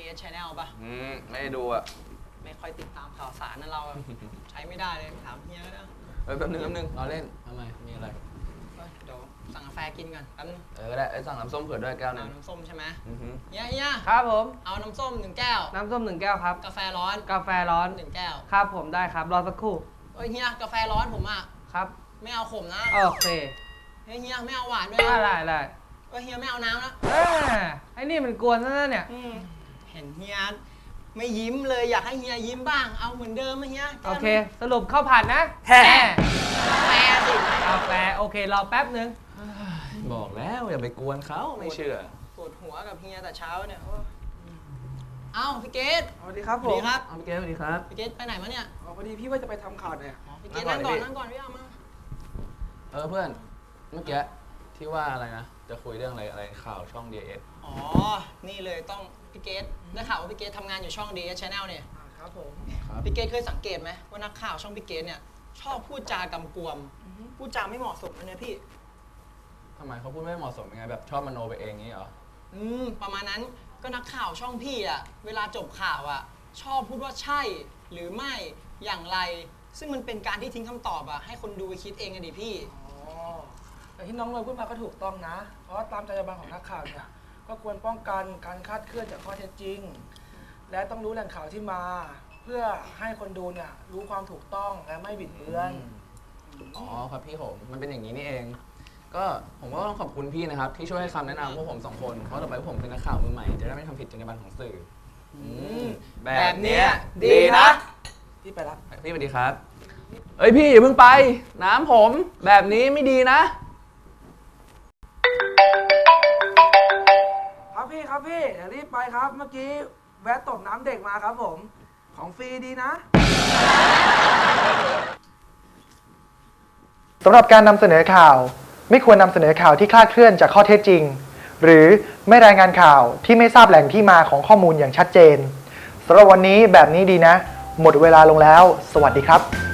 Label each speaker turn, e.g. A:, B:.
A: DS Channel ป่ะ
B: ไม่ได้ดูอ่ะ
A: ไม่ค่อยติดตามข่าวสารนั่นเราใช้ไม่ได้เลยถามเฮียก็ได้
B: แป๊บนึงเราเล่นทำไมมีอะไร
A: เดี๋ยวสั่งกาแฟกินกันแป๊บนึง
B: ก็ได้สั่งน้ำส้มเผื่อด้วยแก้วนึง
A: น้ำส้มใช่ไหมเฮีย
C: ครับผม
A: เอาน้ำส้ม1 แก้ว
C: น้ำส้ม1 แก้วครับ
A: กาแฟร้อน1 แก้ว
C: ครับผมได้ครับรอสักครู่
A: เฮียกาแฟร้อนผมอ่ะ
C: ครับ
A: ไม่เอาขมนะ
C: โอเค
A: เฮียไม่เอาหวานด้วย
C: ได้
A: เฮียไม่เอาน้ำนะ
C: ไอ้นี่มันกวนซะแล้วเนี่ย
A: เห็นเฮียไม่ยิ้มเลยอยากให้เฮียยิ้มบ้างเอาเหมือนเดิมไหมเฮีย
C: โอเคสรุปข้าวผัดนะ
A: แฮ่กาแฟสิ
C: กาแฟโอเครอแป๊บนึง
B: บอกแล้วอย่าไปกวนเขาไม่เชื่อ
A: ปวดหัวกับเฮียแต่เช้าเนี่ยเอ้าพี่เกต
C: สวัสดีครับผม
B: พี่เกตสวัสดีครับ
A: พี่เกตไปไหนมาเนี่ย
C: พอดีพี่ว่าจะไปทำข่าวเนี่ย
A: พี่เกตนั่งก่อนพี่เอามา
B: เพื่อนเมื่อกี้ที่ว่าอะไรนะจะคุยเรื่องอะไรข่าวช่อง DS
A: นี่เลยต้องพี่เกตได้ข่าวว่าพี่เกตทำงานอยู่ช่อง DS Channel เนี่ย
C: ครับผม
A: พี่เกตเคยสังเกตไหมว่านักข่าวช่องพี่เกตเนี่ยชอบพูดจากำกวมพูดจาไม่เหมาะสมนะเนี่ยพี่
B: ทำไมเขาพูดไม่เหมาะสมยังไงแบบชอบมโนไปเองงี้เหรอ
A: ประมาณนั้นก็นักข่าวช่องพี่อ่ะเวลาจบข่าวอ่ะชอบพูดว่าใช่หรือไม่อย่างไรซึ่งมันเป็นการที่ทิ้งคำตอบอ่ะให้คนดูไปคิดเองกันดิพี่
C: แต่ที่น้องเลยพูดมาก็ถูกต้องนะเพราะว่าตามจรรยาบรรณของนักข่าวเนี่ยก็ควรป้องกันการคลาดเคลื่อนจากข้อเท็จจริงและต้องรู้แหล่งข่าวที่มาเพื่อให้คนดูเนี่ยรู้ความถูกต้องและไม่บิดเบือน
B: ครับพี่ผมมันเป็นอย่างนี้นี่เองก็ผมก็ต้องขอบคุณพี่นะครับที่ช่วยให้คำแนะนำพวกผม2 คนเพราะต่อไปพวกผมเป็นนักข่าวมือใหม่จะได้ไม่ทำผิดจรรยาบรรณของสื่อ
A: แบบนี้ดีนะ
C: พี่ไปละ
B: พี่สวัสดีครับพี่อย่าเพิ่งไปน้ำผมแบบนี้ไม่ดี
C: นะครับพี่เดี๋ยวรีบไปครับเมื่อกี้แวะตบน้ำเด็กมาครับผมของฟรีดีนะ
D: สำหรับการนำเสนอข่าวไม่ควรนำเสนอข่าวที่คลาดเคลื่อนจากข้อเท็จจริงหรือไม่รายงานข่าวที่ไม่ทราบแหล่งที่มาของข้อมูลอย่างชัดเจนสำหรับวันนี้แบบนี้ดีนะหมดเวลาลงแล้วสวัสดีครับ